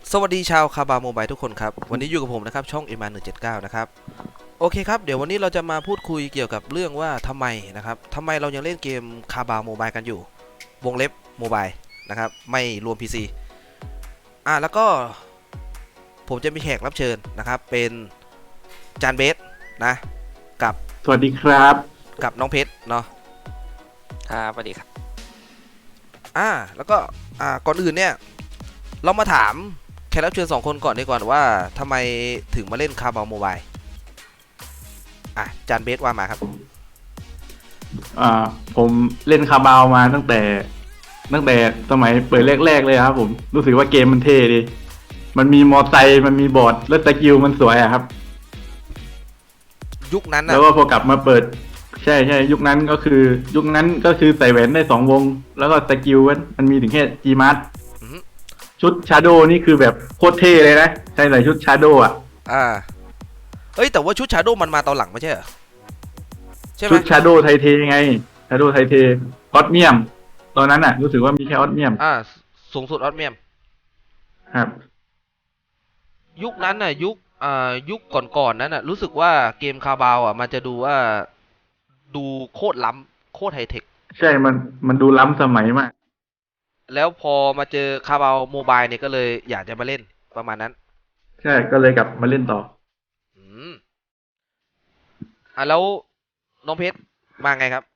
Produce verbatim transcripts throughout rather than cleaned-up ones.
สวัสดีชาวคาบาโมบายทุกคนครับวันนี้อยู่กับผมนะครับช่อง เอ็ม อาร์ หนึ่งเจ็ดเก้า นะครับโอเคครับเดี๋ยววันนี้เราจะมาพูดคุยเกี่ยวกับเรื่องว่าทำไมนะครับทำไมเรายังเล่นเกมคาบาโมบายกันอยู่วงเล็บโมบายนะครับไม่รวม พี ซี อ่ะแล้วก็ผมจะมีแขกรับเชิญนะครับเป็นจานเบสนะกับสวัสดีครับกับน้องเพชรเนาะครับสวัสดีครับอ่าแล้วก็อ่าก่อนอื่นเนี่ยเรามาถามแขกรับเชิญสองคนก่อนดีกว่าว่าทำไมถึงมาเล่นคาบาโมบายอ่ะจานเบสว่ามาครับอ่าผมเล่นคาบาวมาตั้งแต่ตั้งแต่สมัยเปิดแรกๆเลยครับผมรู้สึกว่าเกมมันเท่ดีมันมีมอไซค์มันมีบอร์ดแล้วสกิลมันสวยอะครับยุคนั้นนะแล้วก็พอกลับมาเปิดใช่ใช่ยุคนั้นก็คือยุคนั้นก็คือใส่แหวนได้สองวงแล้วก็สกิลมันมีถึงแค่จีมาร์ทชุดชาโดนี่คือแบบโคตรเท่เลยนะใช่ใส่ชุดชาโดอ่ะอ่าเอ้ยแต่ว่าชุดชาโดมันมาตอนหลังไม่ใช่เหรอใช่ไหมชุดชาโดไทเทไงชาโดไทเทออสเมียมตอนนั้นอ่ะรู้สึกว่ามีแค่ออสเมียมอ่าสูงสุดออสเมียมครับยุคนั้นน่ะยุคอ่ายุคก่อนๆนั้นน่ะรู้สึกว่าเกมคาบาวอ่ะมันจะดูว่าดูโคตรล้ำโคตรไฮเทคใช่มันมันดูล้ำสมัยมากแล้วพอมาเจอคาบาวโมบายเนี่ยก็เลยอยากจะมาเล่นประมาณนั้นใช่ก็เลยกลับมาเล่นต่ออืมอ่ะแล้วน้องเพชรมาไงครับ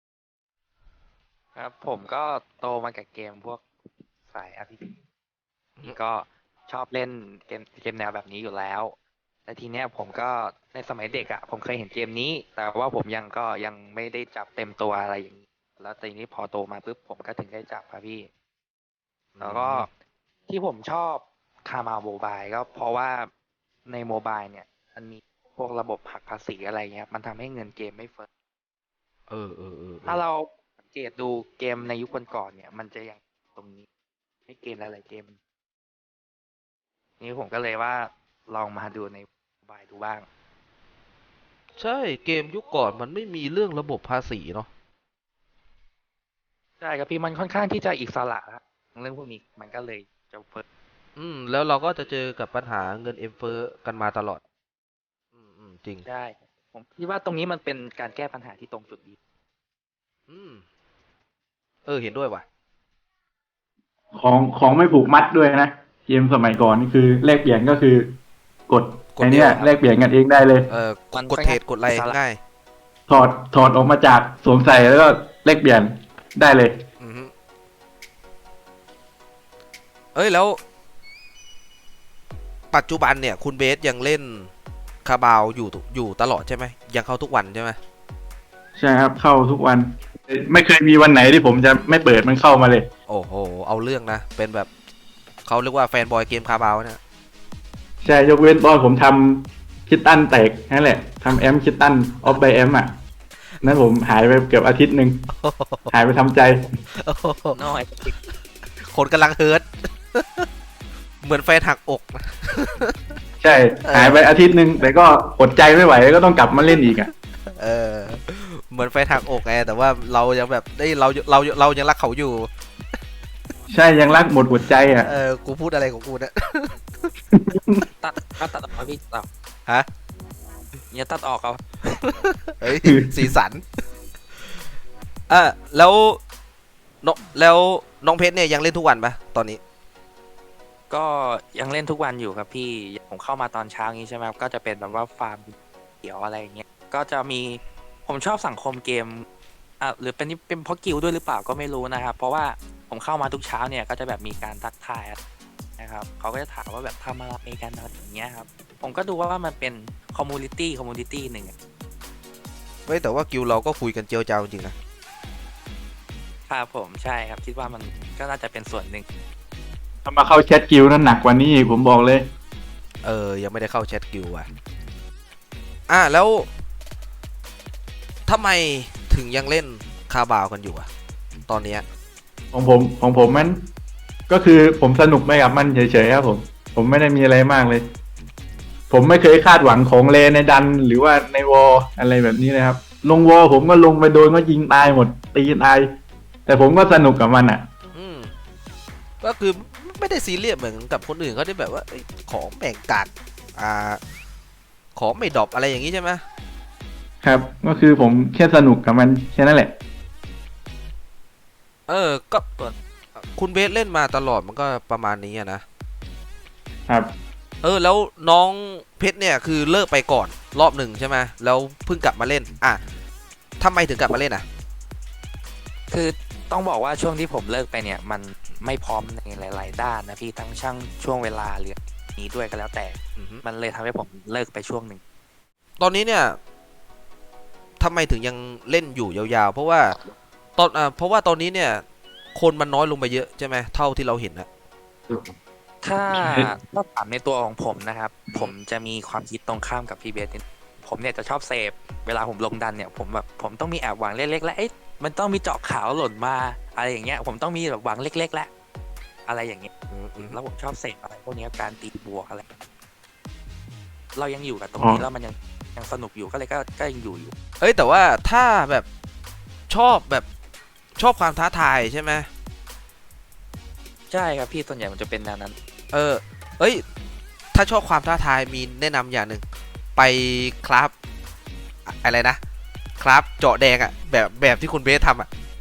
ครับผมก็โตมากับเกมพวกสาย อาร์ พี จี ก็ชอบเล่นเกมเกมแนวแบบนี้อยู่แล้วแต่ทีเนี้ยผมก็ในสมัยเด็กอ่ะผมเคยเห็นเกมนี้แต่ว่าผมยังก็ยังไม่ได้จับเต็มตัวอะไรอย่างนี้แล้วทีนี้พอโตมาปุ๊บผมก็ถึงได้จับครับพี่แล้วก็ที่ผมชอบคามาโมบายก็เพราะว่าในโมบายเนี่ยมันมีพวกระบบหักภาษีอะไรเงี้ยมันทำให้เงินเกมไม่เฟ้อเออเออเออถ้าเราสังเกตดูเกมในยุคก่อนๆเนี่ยมันจะยังตรงนี้ให้เกมหลายๆเกมนี่ผมก็เลยว่าลองมาดูในโมบายดูบ้างใช่เกมยุคก่อนมันไม่มีเรื่องระบบภาษีเนาะใช่ครับพี่มันค่อนข้างที่จะอิสระครับเรื่องพวกนี้มันก็เลยจะเฟ้ออืมแล้วเราก็จะเจอกับปัญหาเงินเอ็มเฟ้อกันมาตลอดอืมอืมจริงใช่ผมคิดว่าตรงนี้มันเป็นการแก้ปัญหาที่ตรงจุดดีอืมเออเห็นด้วยว่ะของของไม่ผูกมัดด้วยนะเกมสมัยก่อนนี่คือแลกเปลี่ยนก็คือกดไอเนี้ยแลกเปลี่ยนกันเองได้เลยเออกดเทรดกดอะไรง่ายถอดถอดออกมาจากสวมใส่แล้วก็แลกเปลี่ยนได้เลยอืมเอ้ยแล้วปัจจุบันเนี่ยคุณเบสยังเล่นคาบาวอยู่อยู่ตลอดใช่ไหมยังเข้าทุกวันใช่ไหมใช่ครับเข้าทุกวันไม่เคยมีวันไหนที่ผมจะไม่เปิดมันเข้ามาเลยโอ้โหเอาเรื่องนะเป็นแบบเขาเรียกว่าแฟนบอยเกมคาบาวเนี่ยใช่ยกเว้นตอนผมทำคิตตันแตกนั่นแหละทำแอมคิตตันออฟไบแอมอ่ะนั้นผมหายไปเกือบอาทิตย์หนึ่งหายไปทำใจน้อยคนกำลังเฮิร์ตเหมือนแฟนหักอกใช่หายไปอาทิตย์หนึ่งแต่ก็อดใจไม่ไหวก็ต้องกลับมาเล่นอีกอ่ะเออเหมือนแฟนหักอกไงแต่ว่าเรายังแบบได้เราเราเรายังรักเขาอยู่ใช่ยังรักหมดหัวใจอ่ะเออกูพูดอะไรของกูเนี่ยตัดตัดตัดออกพี่ตัดฮะอย่าตัดออกเอาเฮ้ยสีสันอ่ะแล้วน้องแล้วน้องเพชรเนี่ยยังเล่นทุกวันปะตอนนี้ก็ยังเล่นทุกวันอยู่ครับพี่ผมเข้ามาตอนเช้างี้ใช่ไหมก็จะเป็นแบบว่าฟาร์มเขียวอะไรเงี้ยก็จะมีผมชอบสังคมเกมอ่ะหรือเป็นเป็นเพราะกิลด้วยหรือเปล่าก็ไม่รู้นะครับเพราะว่าผมเข้ามาทุกเช้าเนี่ยก็จะแบบมีการทักทายนะครับเขาก็จะถามว่าแบบทำอะไรกันอะไรอย่างเงี้ยครับผมก็ดูว่ามันเป็นคอมมูนิตี้คอมมูนิตี้หนึ่งเว้ยแต่ว่ากิลเราก็คุยกันเจียวจ้าวจริงนะครับผมใช่ครับคิดว่ามันก็น่าจะเป็นส่วนหนึ่งถ้ามาเข้าแชทกิลนั้นหนักกว่านี้ผมบอกเลยเออยังไม่ได้เข้าแชทกิลว่ะอ่ะแล้วทำไมถึงยังเล่นคาบาวกันอยู่อะตอนนี้ของผมของผมมันก็คือผมสนุกไปกับมันเฉยๆครับผมผมไม่ได้มีอะไรมากเลยผมไม่เคยคาดหวังของเลในดันหรือว่าในวอลอะไรแบบนี้เลยครับลงวอลผมก็ลงไปโดนก็ยิงตายหมดตีตายแต่ผมก็สนุกกับมันอ่ะอืมก็คือไม่ได้ซีเรียสเหมือนกับคนอื่นเขาที่แบบว่าเอ้ยของแบ่งกัดอ่าของไม่ดรอปอะไรอย่างนี้ใช่ไหมครับ ก็คือผมแค่สนุกกับมันแค่นั้นแหละเออก็คุณเบสเล่นมาตลอดมันก็ประมาณนี้อะนะครับ เออแล้วน้องเพชรเนี่ยคือเลิกไปก่อนรอบหนึ่งใช่ไหมแล้วเพิ่งกลับมาเล่นอ่ะทำไมถึงกลับมาเล่นอ่ะคือต้องบอกว่าช่วงที่ผมเลิกไปเนี่ย มันไม่พร้อมในหลาย ๆ ด้านนะพี่ทั้งช่างช่วงเวลาหรือนี้ด้วยก็แล้วแต่อือฮึมันเลยทำให้ผมเลิกไปช่วงหนึ่งตอนนี้เนี่ยทำไมถึงยังเล่นอยู่ยาวๆเพราะว่าตอนอ่าเพราะว่าตอนนี้เนี่ยคนมันน้อยลงไปเยอะใช่ไหมเท่าที่เราเห็นนะถ้าถ้าถามในตัวของผมนะครับ ผมจะมีความคิดตรงข้ามกับพี่เบสนิดผมเนี่ยจะชอบเสพเวลาผมลงดันเนี่ยผมแบบผมต้องมีแอบหวังเล็กๆแล้วเอ๊ะมันต้องมีเจาะขาวหล่นมาอะไรอย่างเงี้ยผมต้องมีแบบหวังเล็กๆแล้วอะไรอย่างเงี้ยอืมอืมแล้วผมชอบเสพอะไรพวกเนี้ยการตีบวกอะไร เรายังอยู่กับตรงนี้อ๋อแล้วมันยังยังสนุกอยู่ก็เลยก็ก็ยังอยู่อยู่เอ้ยแต่ว่าถ้าแบบชอบแบบชอบความท้าทายใช่ไหมใช่ครับพี่ส่วนใหญ่มันจะเป็นแนวนั้นเออเอ้ยถ้าชอบความท้าทายมีแนะนำอย่างหนึ่งไปคราฟอะอะไรนะคราฟเจาะแดงอะแบบแบบที่คุณเบสทำอะ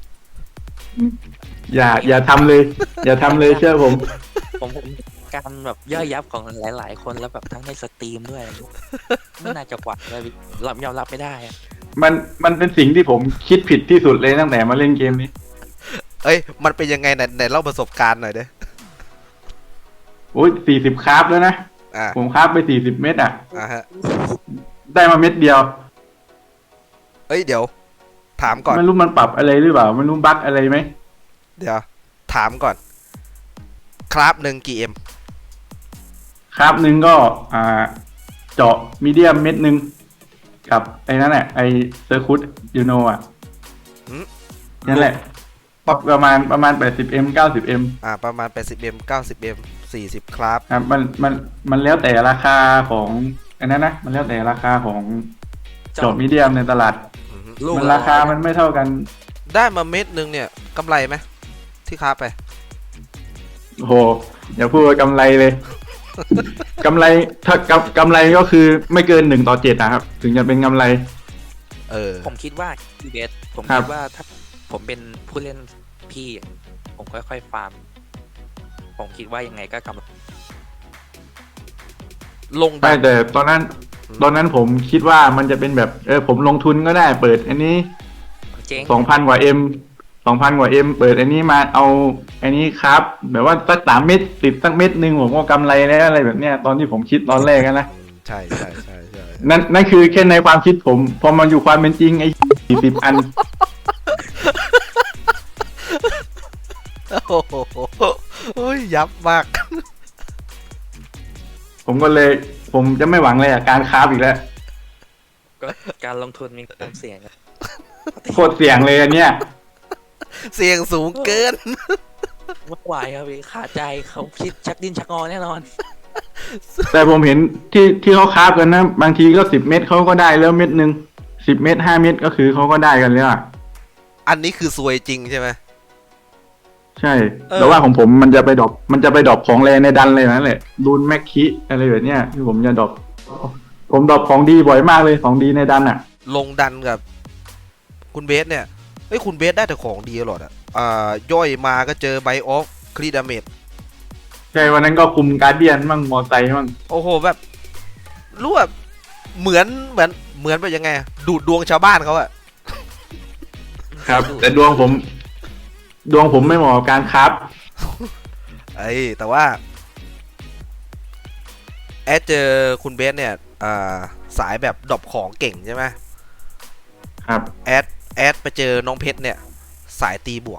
อย่า อย่าทำเลย อย่าทำเลยเชื่อผมผมผมการแบบย่อยยับของหลาย ๆ คนแล้วแบบทั้งในสตรีมด้วยไม่น่าจะกว่าเลยรับยอมรับไม่ได้อะมัน มันเป็นสิ่งที่ผมคิดผิดที่สุดเลยตั้งแต่มาเล่นเกมนี้เอ้ยมันเป็นยังไงไหนไหนเล่าประสบการณ์หน่อยเด้อโอ้ยสี่สิบคราฟแล้วนะอ่าผมคราฟไปสี่สิบเม็ดอ่ะอ่าฮะได้มาเม็ดเดียวเอ้ยเดี๋ยว ถามก่อนไม่รู้มันปรับอะไรหรือเปล่าไม่รู้บั๊กอะไรไหมเดี๋ยวถามก่อนคราฟหนึ่งกี่เอ็มคราฟหนึ่งก็ อ่า เจาะมีเดียมเม็ดหนึ่งกับไอ้นั่นแหละไอ้เซอร์คุตยูโนอ่ะนั่นแหละปรับประมาณประมาณแปดสิบเอ็มเก้าสิบเอ็มอ่าประมาณแปดสิบเอ็มเก้าสิบเอ็มสี่สิบคราฟครับมันมันมันแล้วแต่ราคาของอันนั้นนะมันแล้วแต่ราคาของเจาะมีเดียมในตลาดอือฮึลูกมันละราคามันไม่เท่ากันได้มาเม็ดหนึ่งเนี่ยกำไรไหมที่คราฟไปโอ้โหอย่าพูดว่ากำไรเลย กำไรถ้ากำกำไรก็คือไม่เกินหนึ่งต่อเจ็ดนะครับ ถึงจะเป็นกำไรเออผมคิดว่าพี่เบสผมครัคิบดว่าถ้าผมเป็นผู้เล่นพี่อย่างนี้ผมค่อยๆฟาร์ม ผมคิดว่ายังไงก็กำไรลงดัไม่นแต่ตอนนั้น ตอนนั้นผมคิดว่ามันจะเป็นแบบเออผมลงทุนก็ได้เปิด อันนี้เจ๊งสองพันกว่าเอ็มสองพันกว่าเอ็มเปิดอันนี้มาเอาอันนี้ครับ แบบว่าสักสามเม็ดติดสักเม็ดหนึ่งผมก็กำไรแล้วอะไรแบบเนี้ยตอนที่ผมคิดตอนแรกอะนะอืมใช่ใช่ใช่ใช่นั่นนั่นคือแค่ในความคิดผม พอมาอยู่ความเป็นจริงไอ้สี่สิบอันโอ้โหโอ้ยยับมากผมก็เลย ผมจะไม่หวังเลยอ่ะการค้าฟอีกแล้วก็การลงทุนมีความเสี่ยงครับโคตรเสี่ยงเลยอันเนี้ยเสียงสูงเกินไม่ไหวครับพี่ขาดใจเขาคิดชักดิ้นชักงอแน่นอนแต่ผมเห็นที่ที่เขาค้าฟกันนะ บางทีก็สิบเม็ดเขาก็ได้แล้วเม็ดหนึ่งสิบเม็ดห้าเม็ดก็คือเขาก็ได้กันแล้วอ่ะอันนี้คือซวยจริงใช่ไหมใช่เออแต่ว่าของผมมันจะไปดรอปมันจะไปดรอปของแรงในดันเลยนั่นแหละรูนแม็กคิอะไรแบบเนี้ยที่ผมจะดรอปผมดรอปของดีบ่อยมากเลยของดีในดันอ่ะลงดันกับ คุณเบสเนี่ยเอ้ยคุณเบสได้แต่ของดีตลอดอ่ะอ่าย่อยมาก็เจอไบออฟครีดาเมจใช่วันนั้นก็คุมการเดียนมั่งมอไซค์มั่งโอ้โหแบบรู้แบบเหมือนเหมือนเหมือนแบบยังไงอะดูดดวงชาวบ้านเขาอะครับ แต่ดวงผม ดวงผมไม่เหมาะกับการครับไอ้ยแต่ว่า แอดเจอคุณเบสเนี่ยอ่าสายแบบดรอปของเก่งใช่ไหมครับแอดแอดไปเจอน้องเพชรเนี่ย สายตีบวก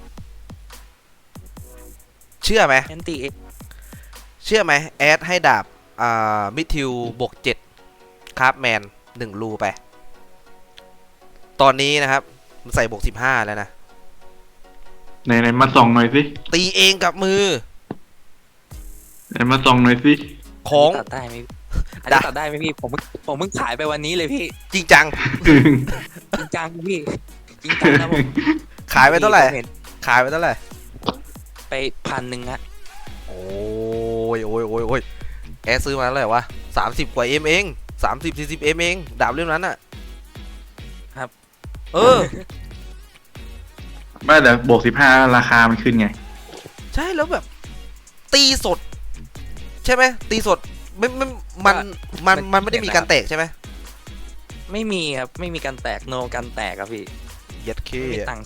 เชื่อไหมแอนตี้เชื่อไหมแอดให้ดาบอ่ามิทิวบวกเจ็ดคราฟแมนหนึ่งรูไป ตอนนี้นะครับมันใส่บวกสิบห้าแล้วนะไหนไหนมาส่องหน่อยสิตีเองกับมือไหนมาส่องหน่อยสิของตัดได้ไหมอันนี้ตัดได้ไหมพี่ผมเพิ่งผมเพิ่งขายไปวันนี้เลยพี่จริงจังจริงจังพี่จริงจังนะผมขายไปเท่าไหร่ผมนขายไปเท่าไหร่ไปพันหนึ่งอะโอ้ยโอ้ยโอ้ยโอ้ยแอร์ซื้อมาเท่าไหร่วะสามสิบกว่าเอ็มเองสามสิบสี่สิบเอ็มเองดาบเล่มนั้นอ่ะครับเออไม่แต่บวกสิบห้าราคามันขึ้นไงใช่แล้วแบบ ตีสด ใช่ไหมตีสดไม่ไม่มันมันมันไม่ได้มีการแตกใช่ไหมไม่มีครับไม่มีการแตกโนการแตกครับพี่เย็ดเคไม่มีตังค์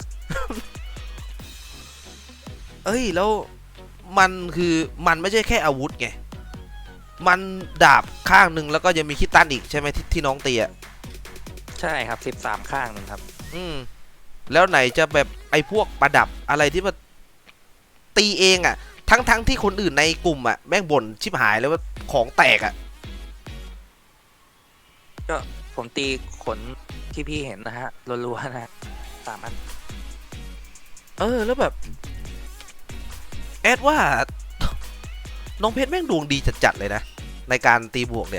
เอ้ยแล้วมันคือมันไม่ใช่แค่อาวุธไงมันดาบข้างหนึ่งแล้วก็ยังมีคิดตันอีกใช่ไหมที่ที่น้องตีอ่ะใช่ครับสิบสามข้างหนึ่งครับอืมแล้วไหนจะแบบไอ้พวกประดับอะไรที่มันตีเองอ่ะ ทั้งทั้งที่คนอื่นในกลุ่มอ่ะแม่งบ่นชิบหายแล้วว่าของแตกอ่ะก็ผมตีขนที่พี่เห็นนะฮะรัวๆนะฮะสามอันเออแล้วแบบแอดว่า น้องเพชรแม่งดวงดีจัดๆเลยนะในการตีบวกเนี่ย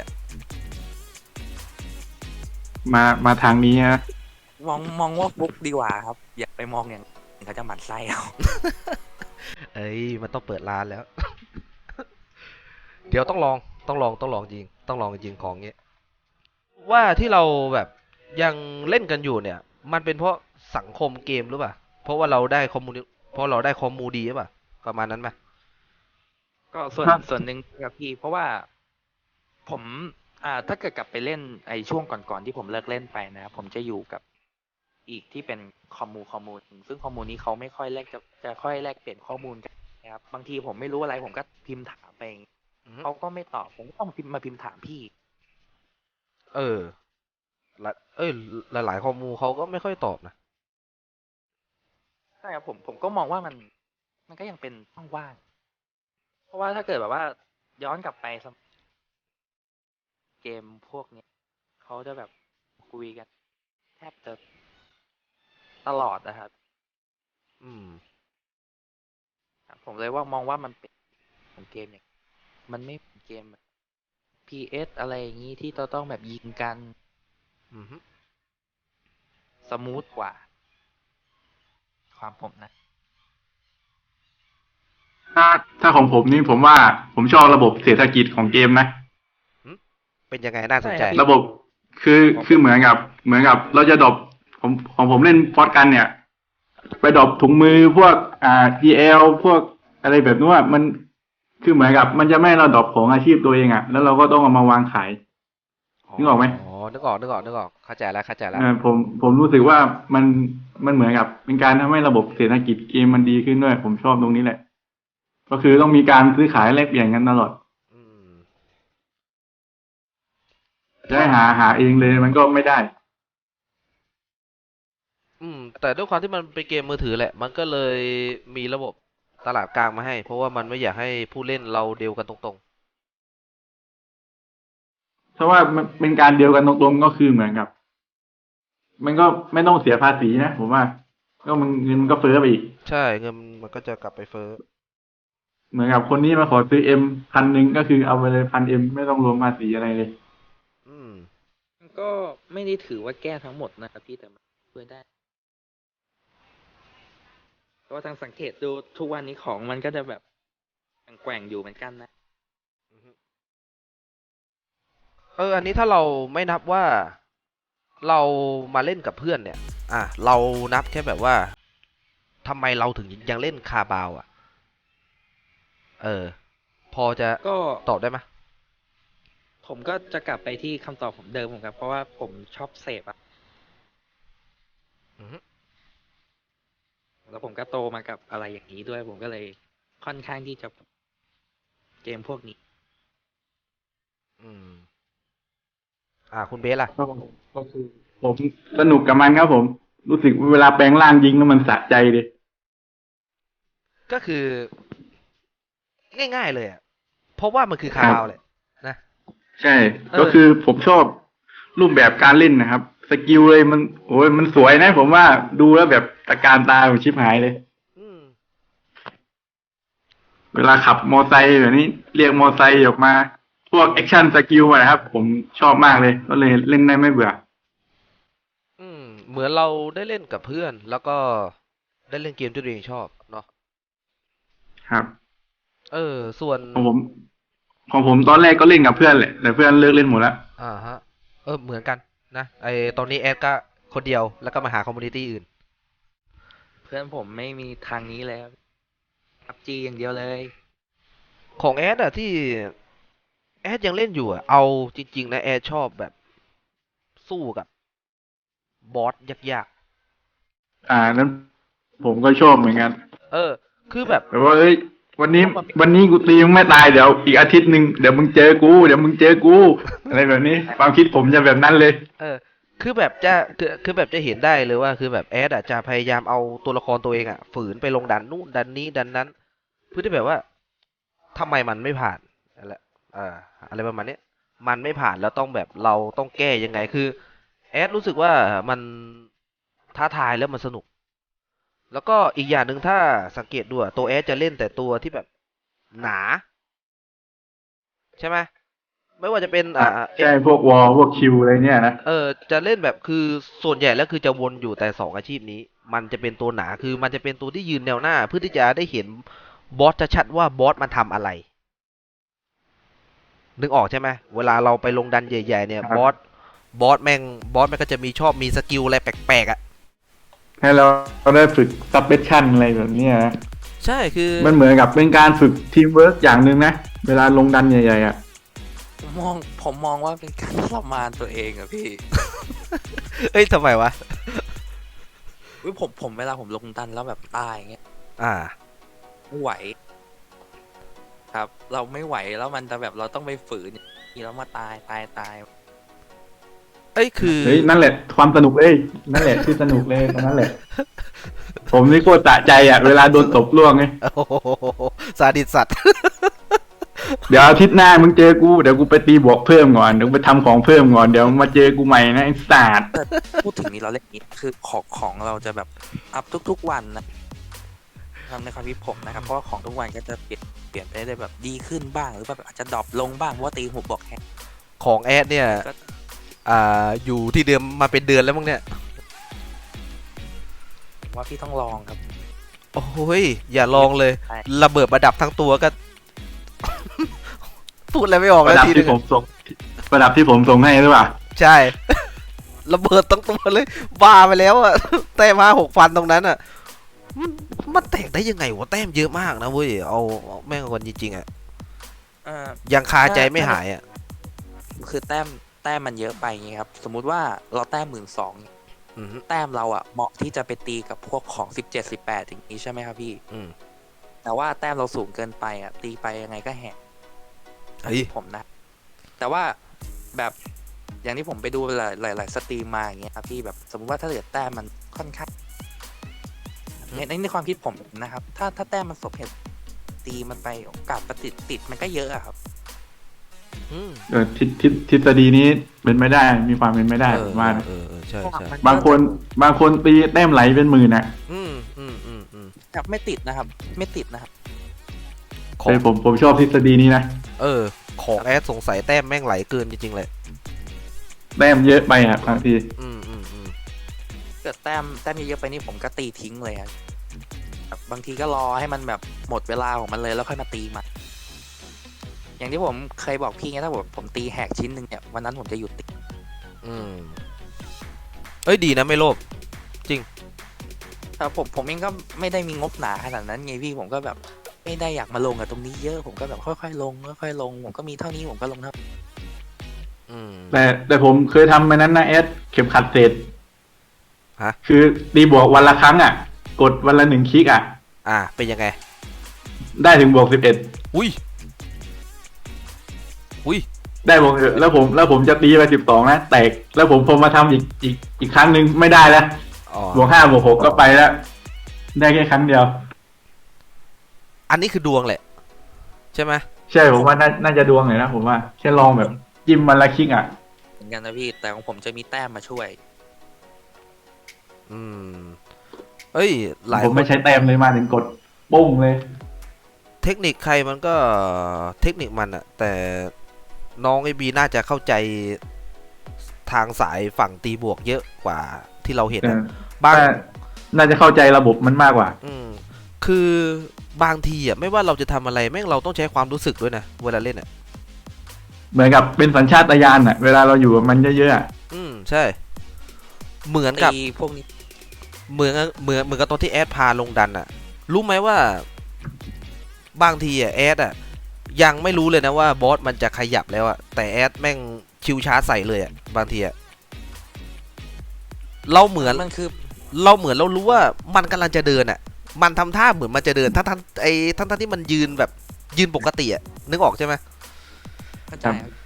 มามาทางนี้ฮะมองมองว่าฟุกดีกว่าครับ อย่าไปมองอย่างอื่นเขาจะหมั่นไส้เอาเอ้ยมันต้องเปิดร้านแล้ว เดี๋ยวต้องลองต้องลองต้องลองจริง ต้องลองจริงของเงี้ยว่าที่เราแบบยังเล่นกันอยู่เนี่ย มันเป็นเพราะสังคมเกมหรือเปล่าเพราะว่าเราได้คอมมูนิเพราะเราได้คอมมูดีหรือเปล่าประมาณนั้นไหมก็ส่วนส่วนหนึ่งครับพี่ เพราะว่าผมอ่าถ้าเกิดกลับไปเล่นไอ้ช่วงก่อนๆที่ผมเลิกเล่นไปนะครับผมจะอยู่กับอีกที่เป็นคอมมูคอมมูซึ่งคอมมูนี้เขาไม่ค่อยแลกจะจะค่อยแลกเปลี่ยนข้อมูลกันนะครับบางทีผมไม่รู้อะไรผมก็พิมพ์ถามไปอือฮึเขาก็ไม่ตอบผมก็ต้องพิมพ์มาพิมพ์ถามพี่เออละเอ้ยหลายๆคอมมูเขาก็ไม่ค่อยตอบนะใช่ครับผมผมก็มองว่ามันมันก็ยังเป็นช่องว่าง เพราะว่าถ้าเกิดแบบว่าย้อนกลับไปสมเกมพวกเนี้ยเขาจะแบบคุยกันแทบจะตลอดนะครับอืมครับผมเลยว่ามองว่ามันเป็นเหมือนเกมอย่างมันไม่เหมือนเกมแบบ พี เอส อะไรอย่างนี้ที่เราต้องแบบยิงกันอืมฮึสมูทกว่า ความผมนะถ้าถ้าของผมนี่ผมว่าผมชอบระบบเศรษฐกิจของเกมนะเป็นยังไงน่าสนใจใช่ครับระบบคือคือเหมือนกับ เหมือนกับเราจะดรอปผมของผมเล่นฟอร์ตกันเนี่ย ไปดรอปถุงมือพวกอ่า พี แอล พวกอะไรแบบนู้นอะมันคือเหมือนกับ มันจะไม่ให้เราดรอปของอาชีพตัวเองอะแล้วเราก็ต้องเอามาวางขาย นึกออกไหมอ๋อนึกออกนึกออกนึกออกเข้าใจแล้วเข้าใจแล้วเออผมผมรู้สึกว่ามันมันเหมือนกับเป็นการทำให้ระบบเศรษฐกิจเกมมันดีขึ้นด้วย ผมชอบตรงนี้แหละ ก็คือต้องมีการซื้อขายแลกเปลี่ยนกันตลอดอืมจะให้หาหาเองเลยมันก็ไม่ได้อืมแต่ด้วยความที่มันเป็นเกมมือถือแหละ มันก็เลยมีระบบตลาดกลางมาให้ เพราะว่ามันไม่อยากให้ผู้เล่นเราเดียวกันตรงเพราะว่ามันเป็นการเดียวกันตรงๆก็คือเหมือนกับ มันก็ไม่ต้องเสียภาษีนะผมว่า ก็มันเงินมันก็เฟ้อไปอีกๆ ใช่เงินมันก็จะกลับไปเฟ้อเหมือนกับคนนี้มาขอซื้อเอ็มพันหนึ่งก็คือเอาไปเลยพันเอ็มไม่ต้องรวมภาษีอะไรเลยอืมมันก็ไม่ได้ถือว่าแก้ทั้งหมดนะครับพี่แต่มันช่วยได้ เพราะว่าทางสังเกตดูทุกวันนี้ของมันก็จะแบบแกว่งๆอยู่เหมือนกันนะเออ อันนี้ถ้าเราไม่นับว่าเรามาเล่นกับเพื่อนเนี่ย อ่ะ เรานับแค่แบบว่าทำไมเราถึงยังเล่นคาบาวอ่ะ เออ พอจะก็ตอบได้ไหมผมก็จะกลับไปที่คำตอบผมเดิมผมครับ เพราะว่าผมชอบเสพอะอือฮึแล้วผมก็โตมากับอะไรอย่างนี้ด้วย ผมก็เลยค่อนข้างที่จะเกมพวกนี้อืม อ่า คุณเบสล่ะก็คือผมสนุกกับมันครับผม รู้สึกเวลาแปลงร่างยิงแล้วมันสะใจเลยก็คือ ง่ายๆเลยอ่ะ เพราะว่ามันคือคาบาวแหละนะใช่เออก็คือผมชอบรูปแบบการเล่นนะครับ สกิลเลยมันโอ้ยมันสวยนะ ผมว่าดูแล้วแบบตะการตาผมชิบหายเลยอืมเวลาขับมอไซค์แบบนี้เรียกมอไซค์ออกมา พวกแอคชั่นสกิลอะนะครับ ผมชอบมากเลย ก็เลยเล่นได้ไม่เบื่ออืม เหมือนเราได้เล่นกับเพื่อน แล้วก็ได้เล่นเกมที่ตัวเองชอบเนาะครับเออ ส่วนของผมของผมตอนแรกก็เล่นกับเพื่อนแหละแต่เพื่อนเลิกเล่นหมดแล้วอ่าฮะ เออ เหมือนกันนะไอตอนนี้แอดก็คนเดียวแล้วก็มาหาคอมมูนิตี้อื่นเพื่อนผมไม่มีทางนี้เลยพับจีอย่างเดียวเลยของแอดอะที่แอดยังเล่นอยู่อะเอาจริงๆนะแอดชอบแบบสู้กับบอสยากอ่านั้นผมก็ชอบเหมือนกันๆ เออ คือแบบแบบว่าเอ้ยวันนี้วันนี้กูตีมึงไม่ตายเดี๋ยวอีกอาทิตย์หนึ่งเดี๋ยวมึงเจอกูเดี๋ยวมึงเจอกูอะไรแบบนี้ความคิดผมจะแบบนั้นเลยเออ คือแบบจะคือคือแบบจะเห็นได้เลยว่าคือแบบแอดอะจะพยายามเอาตัวละครตัวเองอะฝืนไปลงดันนู่นดันนี้ดันนั้น เพื่อที่แบบว่าทำไมมันไม่ผ่านนั่นแหละอ่าอะไรประมาณเนี้ยมันไม่ผ่านแล้วต้องแบบเราต้องแก้ยังไงคือแอดรู้สึกว่ามันท้าทายแล้วมันสนุก แล้วก็อีกอย่างหนึ่งถ้าสังเกตดูอะตัวแอดจะเล่นแต่ตัวที่แบบหนา ใช่ไหมไม่ว่าจะเป็นอ่าใช่พวกวอลพวกคิวอะไรเนี่ยนะเออจะเล่นแบบคือส่วนใหญ่แล้วคือจะวนอยู่แต่สองอาชีพนี้ มันจะเป็นตัวหนาคือมันจะเป็นตัวที่ยืนแนวหน้า เพื่อที่จะได้เห็นบอสชัดๆว่าบอสมันทำอะไร นึกออกใช่ไหมเวลาเราไปลงดันใหญ่ๆเนี่ยครับบอสบอสแม่งบอสมันก็จะมีชอบมีสกิลอะไรแปลกๆอ่ะให้เราเราได้ฝึกซับเบชั่นอะไรแบบเนี้ยนะใช่คือมันเหมือนกับเป็นการฝึกทีมเวิร์กอย่างหนึ่งนะเวลาลงดันใหญ่ๆอ่ะผมมองผมมองว่าเป็นการทรมานตัวเองอะพี่เอ้ยทำไมวะอุ๊ยผมผมเวลาผมลงดันแล้วแบบตายอย่างเงี้ยอ่าไม่ไหว ครับ เราไม่ไหวแล้วมันจะแบบเราต้องไปฝืนนี่แล้วมาตายตายตายเอ้ยคือเฮ้ยนั่นแหละความสนุกเลยนั่นแหละที่สนุกเลยตรงนั้นแหละ ผมนี่โคตรสะใจอ่ะเวลาโดนตบล่วงไงโอ้โหซาดิสสัตว์เดี๋ยวอาทิตย์หน้ามึงเจอกูเดี๋ยวกูไปตีบวกเพิ่มก่อนเดี๋ยวกูไปทำของเพิ่มก่อนเดี๋ยวมาเจอกูใหม่นะไอ้สัตว์แต่พูดถึงนี้เราเล่นอย่างนี้คือของของเราจะแบบอัพทุกๆวันนะทำในความคิดผมนะครับเพราะว่าของทุกวันก็จะเปลี่ยนเปลี่ยนไปได้แบบดีขึ้นบ้างหรือแบบอาจจะดรอปลงบ้างเพราะว่าตีหุบบอกแฮกของแอดเนี่ยก็อ่า อยู่ที่เดิมมาเป็นเดือนแล้วมั้งเนี่ยว่าพี่ต้องลองครับโอ้ย อย่าลองเลยใช่ระเบิดประดับทั้งตัวก็ พูดอะไรไม่ออกประแล้วดับทีนึที่งผมส่งประดับที่ผมส่งให้หรือเปล่าใช่ ระเบิดทั้งตัวเลย บ้าไปแล้วอะ แต้มมาหกพันตรงนั้นอะมันมันแตกได้ยังไงวะแต้มเยอะมากนะเว้ย เอาเอาแม่งคนจริงๆอะเอ่อยังคาใจไม่หายอะคือแต้มแต้มมันเยอะไปไงครับ สมมุติว่าเราแต้มหมื่นสองอืมแต้มเราอะเหมาะที่จะไปตีกับพวกของสิบเจ็ดสิบแปดอย่างนี้ใช่ไหมครับพี่อืมแต่ว่าแต้มเราสูงเกินไปอะตีไปยังไงก็แหกเฮ้ยผมนะ แต่ว่าแบบอย่างที่ผมไปดูหลายหลายหลายสตรีมมาอย่างเงี้ยครับพี่แบบสมมติว่าถ้าเกิดแต้มมันค่อนข้างในในในความคิดผมนะครับ ถ้าถ้าแต้มมันสมเหตุตีมันไปโอกาสประติดติดมันก็เยอะอะครับอืมเออทฤทฤทฤษฎีนี้เป็นไม่ได้มีความเป็นไม่ได้เอผอมว่านะเออเออใช่ใช่มันบางคนบางคนตีแต้มไหลเป็นหมื่นอ่ะอืมอืมอืมอืมครับไม่ติดนะครับ ไม่ติดนะครับของแต่ผมผมชอบทฤษฎีนี้นะเออ ของแอดสงสัยแต้มแม่งไหลเกินจริงๆเลยแต้มเยอะไปอ่ะบางทีอืมอืมอืมเกิดแต้มแต้มเยอะๆไปนี่ผมก็ตีทิ้งเลยครับแบบบางทีก็รอให้มันแบบหมดเวลาของมันเลยแล้วค่อยมาตีมันอย่างที่ผมเคยบอกพี่ไงถ้าผมผมตีแหกชิ้นหนึ่งเนี่ยวันนั้นผมจะหยุดตีอืมเอ้ยดีนะไม่โลภแต่ผมผมเองก็ไม่ได้มีงบหนาขนาดนั้นไงพี่ผมก็แบบไม่ได้อยากมาลงกับตรงนี้เยอะผมก็แบบค่อยๆลงค่อยๆลงผมก็มีเท่านี้ผมก็ลงเท่าอืมแต่แต่ผมเคยทำไปนั้นนะเอสเข็มขัดเศษฮะคือตีบวกวันละครั้งอ่ะ กดวันละหนึ่งคลิกอ่ะอ่าเป็นยังไงได้ถึงบวกสิบเอ็ดอุ้ยอุ้ยได้บวก11แล้วผมแล้วผมจะตีไปสิบสองนะแตกแล้วผมพอมาทำอีกอีกอีกครั้งหนึ่งไม่ได้แล้วอ๋อบวกห้าบวกหกก็ไปแล้ว ได้แค่ครั้งเดียวอันนี้คือดวงแหละ ใช่ไหมใช่ผมว่าน่าน่าจะดวงเลยนะผมว่าแค่ลองแบบจิ้มวันละคลิกอ่ะเหมือนกันนะพี่แต่ของผมจะมีแต้มมาช่วยอืมเอ้ย หลายผมคไม่นใช้แต้มเลยมาถึงกดปุ้งเลยเทคนิคใครมันก็เทคนิคมันอะแต่น้องไอบีน่าจะเข้าใจทางสายฝั่งตีบวกเยอะกว่าที่เราเห็นอะเออบางน่าน่าจะเข้าใจระบบมันมากกว่าอืมคือบางทีอ่ะไม่ว่าเราจะทำอะไรแม่งเราต้องใช้ความรู้สึกด้วยนะเวลาเล่นอ่ะเหมือนกับเป็นสัญชาตญาณอะเวลาเราอยู่กับมันเยอะๆอะอืมใช่ เหมือนกับตีพวกนี้เหมือนเหมือนเหมือนกับตอนที่แอดพาลงดันอ่ะ รู้ไหมว่าบางทีอ่ะแอดอ่ะยังไม่รู้เลยนะว่าบอสมันจะขยับแล้วอ่ะแต่แอดแม่งชิวชาร์จใส่เลยอ่ะบางทีอ่ะเราเหมือนมันคือเราเหมือนเรารู้ว่ามันกำลังจะเดินอ่ะ มันทำท่าเหมือนมันจะเดินทั้งทั้งไอ้ทั้งทั้งที่มันยืนแบบยืนปกติอ่ะนึกออกใช่ไหมเข้าใจครับ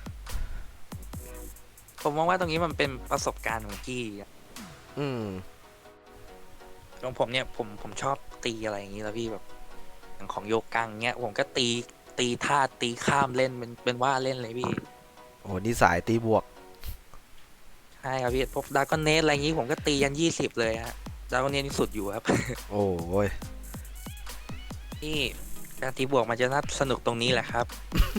ผมมองว่าตรงนี้มันเป็นประสบการณ์ของพี่อะอืมของผมเนี่ยผมผมชอบตีอะไรอย่างนี้แล้วพี่แบบอย่างของโยกังเนี้ยผมก็ตีตีท่าตีข้ามเล่นเป็นเป็นว่าเล่นเลยพี่โอ้นี่สายตีบวกใช่ครับพี่พวกดากอนเนสอะไรอย่างนี้ผมก็ตียันยี่สิบเลยฮะดากอนเนสนี่สุดอยู่ครับโอ้ยนี่การตีบวกมันจะน่าสนุกตรงนี้แหละครับ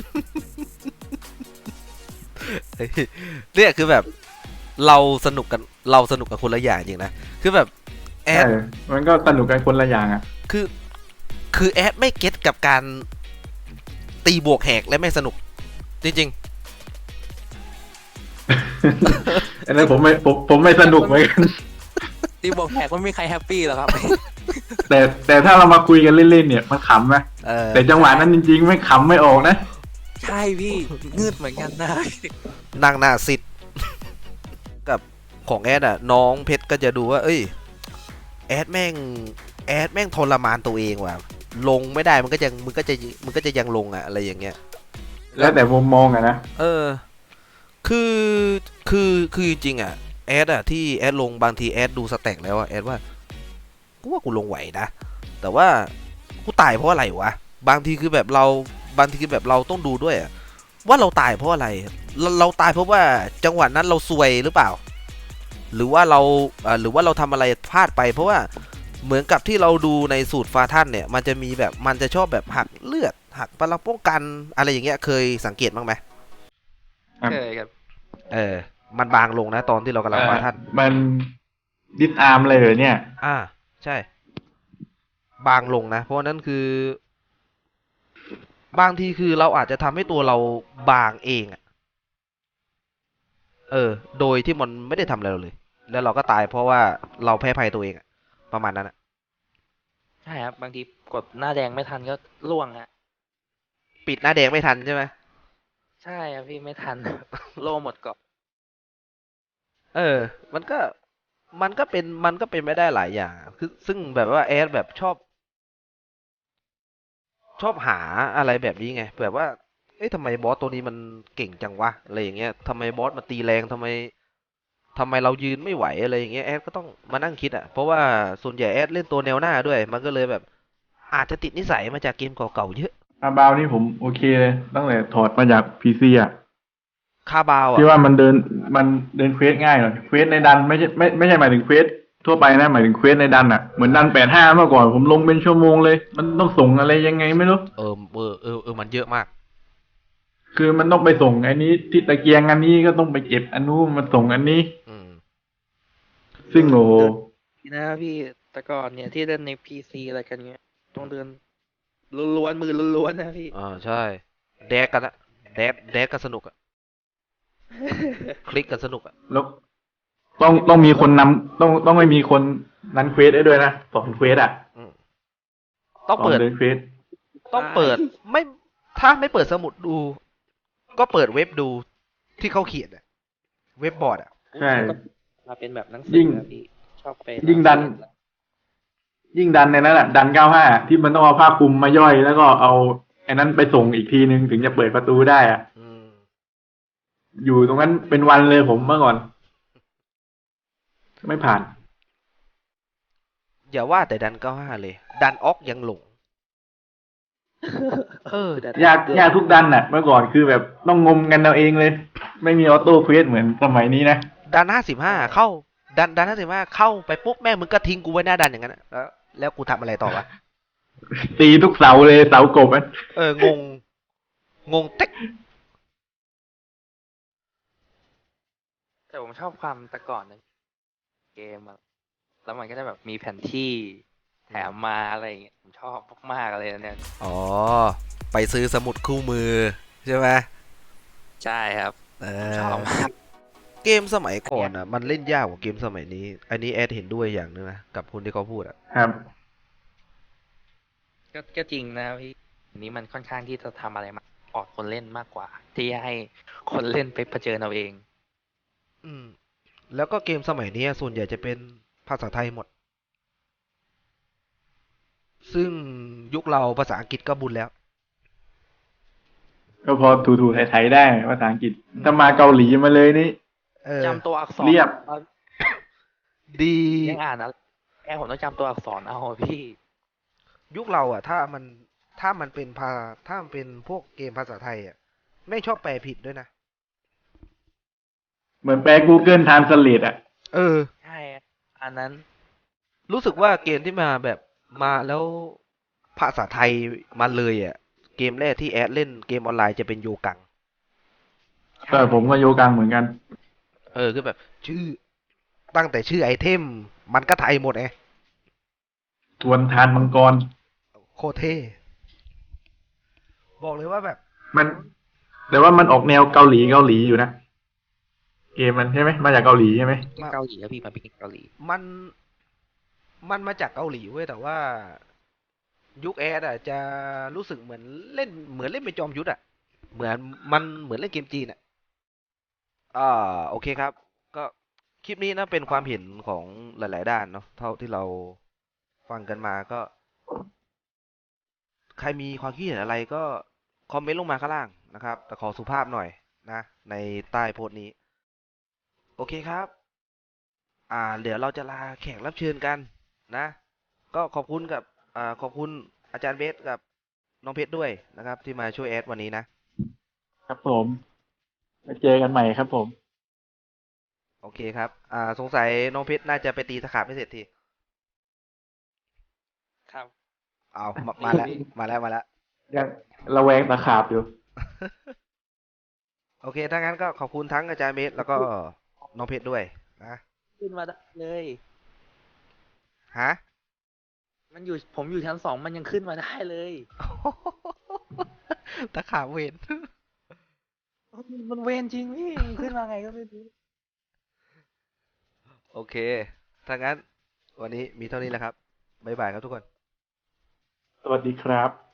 เนี่ยคือแบบเราสนุกกันเราสนุกกับคนละอย่างจริงนะคือแบบแอดเออมันก็สนุกกันคนละอย่างอะคือคือแอดไม่เก็ตกับการตีบวกแหกและไม่สนุกจริงอันนั้นผมไม่ผมผมไม่สนุกเหมือนกันตีบวกแหกมันไม่มีใครแฮปปี้หรอกครับแต่แต่ถ้าเรามาคุยกันเล่นๆเนี่ยมันขำนะๆเออแต่จังหวะนั้นจริงๆไม่ขำไม่ออกนะใช่พี่งืดเหมือนกันนะนั่งหน้าซิด กับของแอดอ่ะน้องเพชรก็จะดูว่า เอ้ยแอดแม่งแอดแม่งทรมานตัวเองว่ะลงไม่ได้มันก็ยังมันก็จะมันก็จะยังลงอ่ะอะไรอย่างเงี้ยแล้วแต่มุมมองอะนะเออ คือ คือ คือจริงๆอ่ะ แอดอ่ะที่แอดลงบางทีแอดดูสแต็กแล้วอ่ะแอดว่า กูว่ากูลงไหวนะ แต่ว่ากูตายเพราะอะไรวะ บางทีคือแบบเรา บางทีคือแบบเราต้องดูด้วยอะว่าเราตายเพราะอะไร เราเราตายเพราะว่าจังหวะนั้นเราซวยหรือเปล่า หรือว่าเราอ่าหรือว่าเราทำอะไรพลาดไป เพราะว่าเหมือนกับที่เราดูในสูตรฟาท่านเนี่ย มันจะมีแบบมันจะชอบแบบหักเลือด หักพลังป้องกันอะไรอย่างเงี้ยเคยสังเกตบ้างไหมครับเคยครับเออ มันบางลงนะตอนที่เรากำลังฟาท่านมันดิสอาร์มเลยเหรอเนี่ยอ่า ใช่ บางลงนะ เพราะฉะนั้นคือ บางทีคือเราอาจจะทำให้ตัวเราบางเองอะเออ โดยที่มันไม่ได้ทำอะไรเราเลย แล้วเราก็ตายเพราะว่าเราแพ้ภัยตัวเองอะประมาณนั้นอะใช่ครับบางทีกดหน้าแดงไม่ทันก็ล่วงฮะปิดหน้าแดงไม่ทันใช่ไหมใช่ครับพี่ไม่ทัน โลหมดเกาะเออ มันก็ มันก็เป็น มันก็เป็นไม่ได้หลายอย่างอะคือซึ่งแบบว่าแอดแบบชอบ ชอบหาอะไรแบบนี้ไง แบบว่า เอ๊ะทำไมบอสตัวนี้มันเก่งจังวะ อะไรอย่างเงี้ยทำไมบอสมันตีแรงทำไมทำไมเรายืนไม่ไหวอะไรอย่างเงี้ยแอดก็ต้องมานั่งคิดอ่ะ เพราะว่าส่วนใหญ่แอดเล่นตัวแนวหน้าด้วย มันก็เลยแบบ อาจจะติดนิสัยมาจากเกมเก่าๆเยอะอาบาวนี่ผมโอเคเลยตั้งแต่ถอดมาจากพีซีอ่ะคาบาวที่อ่ะว่ามันเดินมันเดินเควสง่ายหน่อยเควสในดันไม่ใช่ไม่ไม่ใช่หมายถึงเควสทั่วไปนะหมายถึงเควสในดันอ่ะเหมือนดันแปดห้าเมื่อก่อนผมลงเป็นชั่วโมงเลย มันต้องส่งอะไรยังไงไม่รู้เออเออเออเออมันเยอะมากคือมันต้องไปส่งอันนี้ที่ตะเกียงอันนี้ก็ต้องไปเก็บอันนู้นมาส่งอันนี้อืมซึ่งโอ้โหนะพี่แต่ก่อนเนี่ยที่เล่นในพีซีอะไรกันเงี้ยต้องเดินล้วนๆมือล้วนๆนะพี่อ่าใช่ แดกกันอะแดกแดกกันสนุกอะคลิกกันสนุกอะแล้วต้องต้องมีคนนำต้องต้องไม่มีคนนั้นเควสได้ด้วยนะสอนเควสอ่ะอืมต้องสอนเปิดเดินเควสต้องเปิดไม่ถ้าไม่เปิดสมุดดู ก็เปิดเว็บดูที่เขาเขียนอะเว็บบอร์ดอะใช่มาเป็นแบบหนังสืยิ่งนะพี่ชอบไปยิ่งดัน ยิ่งดันในนั้นแหละดันเก้าห้าที่มันต้องเอาผ้าคลุมมาย่อย แล้วก็เอาไอ้นั้นไปส่งอีกทีนึงถึงจะเปิดประตูได้อ่ะอืมอยู่ตรงนั้นเป็นวันเลยผมเมื่อก่อน ไม่ผ่านอย่าว่าแต่ดันเก้าห้าเลย ดันออกยังหลง เออยากยากทุกดันน่ะ เมื่อก่อนคือแบบต้องงมกันเอาเองเลย ไม่มีออโต้เควสเหมือนสมัยนี้นะดันห้าสิบห้าเข้า ดันดันห้าสิบห้าเข้าไปปุ๊บแม่งมึงก็ทิ้งกูไว้หน้าดันอย่างนั้นอะแล้วแล้วกูทำอะไรต่อวะตีทุกเสาเลยเสากบอ่ะเอองง งงเต็กแต่ผมชอบความแต่ก่อนนะเกมอะแล้วมันก็จะแบบมีแผนที่แถมมาอะไรอย่างเงี้ยผมชอบมากๆเลยเนี่ยอ๋อ ไปซื้อสมุดคู่มือใช่ไหมใช่ครับเอผมชอบอมากเกมสมัยก่อนอ่ะ มันเล่นยากกว่าเกมสมัยนี้ อันนี้แอดเห็นด้วยอย่างหนึงนะ กับคนที่เขาพูดอ่ะครับก็ก็จริงนะพี่อันนี้มันค่อนข้างที่จะทำอะไรมาออกคนเล่นมากกว่า ที่ให้คนเล่นไปเผชิญเอาเองอืม แล้วก็เกมสมัยนี้ส่วนใหญ่จะเป็นภาษาไทยหมด ซึ่งยุคเราภาษาอังกฤษก็บุญแล้วก็พอถูๆไทยๆได้ภาษาอังกฤษถ้ามาเกาหลีมาเลยนี่เออจำตัวอักษรเรียบเอาดียังอ่านนะแค่ผมต้องจำตัวอักษรเอาอะพี่ยุคเราอ่ะ ถ้ามันถ้ามันเป็นภาถ้ามันเป็นพวกเกมภาษาไทยอ่ะ ไม่ชอบแปลผิดด้วยนะเหมือนแปล Google Translate อ่ะเออใช่อันนั้นรู้สึกว่าเกมที่มาแบบมาแล้วภาษาไทยมาเลยอ่ะ เกมแรกที่แอดเล่นเกมออนไลน์จะเป็นโยกังแต่ผมก็โยกังเหมือนกันเออคือแบบ ชื่อ ตั้งแต่ชื่อไอเทม มันก็ไทยหมดไงทวนทานมังกรโคตรเท่บอกเลยว่าแบบมัน แต่ว่ามันออกแนวเกาหลีเกาหลีอยู่นะ เกมมันใช่ไหมมาจากเกาหลีใช่ไหมเป็นเกาหลีแล้วพี่มาเป็นเกาหลีมันมันมาจากเกาหลีเว้ยแต่ว่า ยุคแอดอ่ะจะรู้สึกเหมือนเล่นเหมือนเล่นเป็นจอมยุทธอ่ะ เหมือนมันเหมือนเล่นเกมจีนอ่ะอ่าโอเคครับ ก็คลิปนี้นะเป็นความเห็นของหลาย ๆ ด้านเนาะเท่าที่เราฟังกันมาก็ ใครมีความคิดเห็นอะไรก็คอมเมนต์ลงมาข้างล่างนะครับ แต่ขอสุภาพหน่อยนะ ในใต้โพสต์นี้ โอเคครับ อ่า เดี๋ยวเราจะลาแขกรับเชิญกันนะ ก็ขอบคุณกับ อ่า ขอบคุณอาจารย์เบสกับน้องเพชรด้วยนะครับ ที่มาช่วยแอดวันนี้นะครับผมมาเจอกันใหม่ครับผมโอเคครับ อ่า สงสัยน้องเพชรน่าจะไปตีตะขาบไม่เสร็จทีครับเอามามาแล้ว มาแล้ว มาแล้วยังระแวงตะขาบอยู่โอเค ถ้างั้นก็ขอบคุณทั้งอาจารย์เบสแล้วก็น้องเพชรด้วยนะขึ้นมาได้เลยฮะมันอยู่ผมอยู่ชั้นสองมันยังขึ้นมาได้เลยตะขาบเวนมันเวรจริงพี่มันขึ้นมาไงก็ไม่รู้โอเค ถ้างั้นวันนี้มีเท่านี้แหละครับ บ๊ายบายครับทุกคนสวัสดีครับ